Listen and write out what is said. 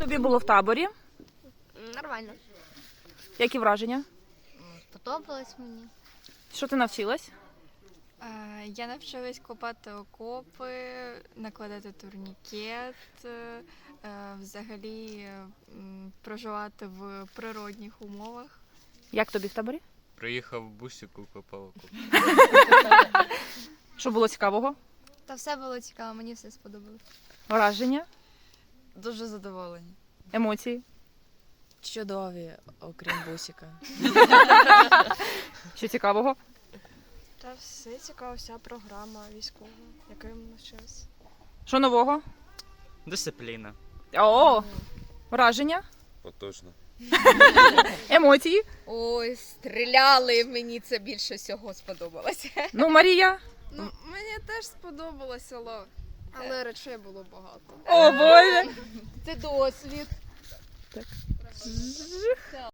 Тобі було в таборі? Нормально. Які враження? Сподобалось мені. Що ти навчилась? Я навчилась копати окопи, накладати турнікет, взагалі проживати в природних умовах. Як тобі в таборі? Приїхав в бусику, копав окоп. Що було цікавого? Та все було цікаво, мені все сподобалось. Враження? Дуже задоволені. Емоції? Чудові, окрім бусика. Що цікавого? Та все цікаво, вся програма військова, якою ми навчилися. Що нового? Дисципліна. О, враження? Потужно. Емоції? Ой, стріляли, мені це більше всього сподобалося. Ну, Марія? Ну, мені теж сподобалося, але речей було багато. О, Боже! Це досвід.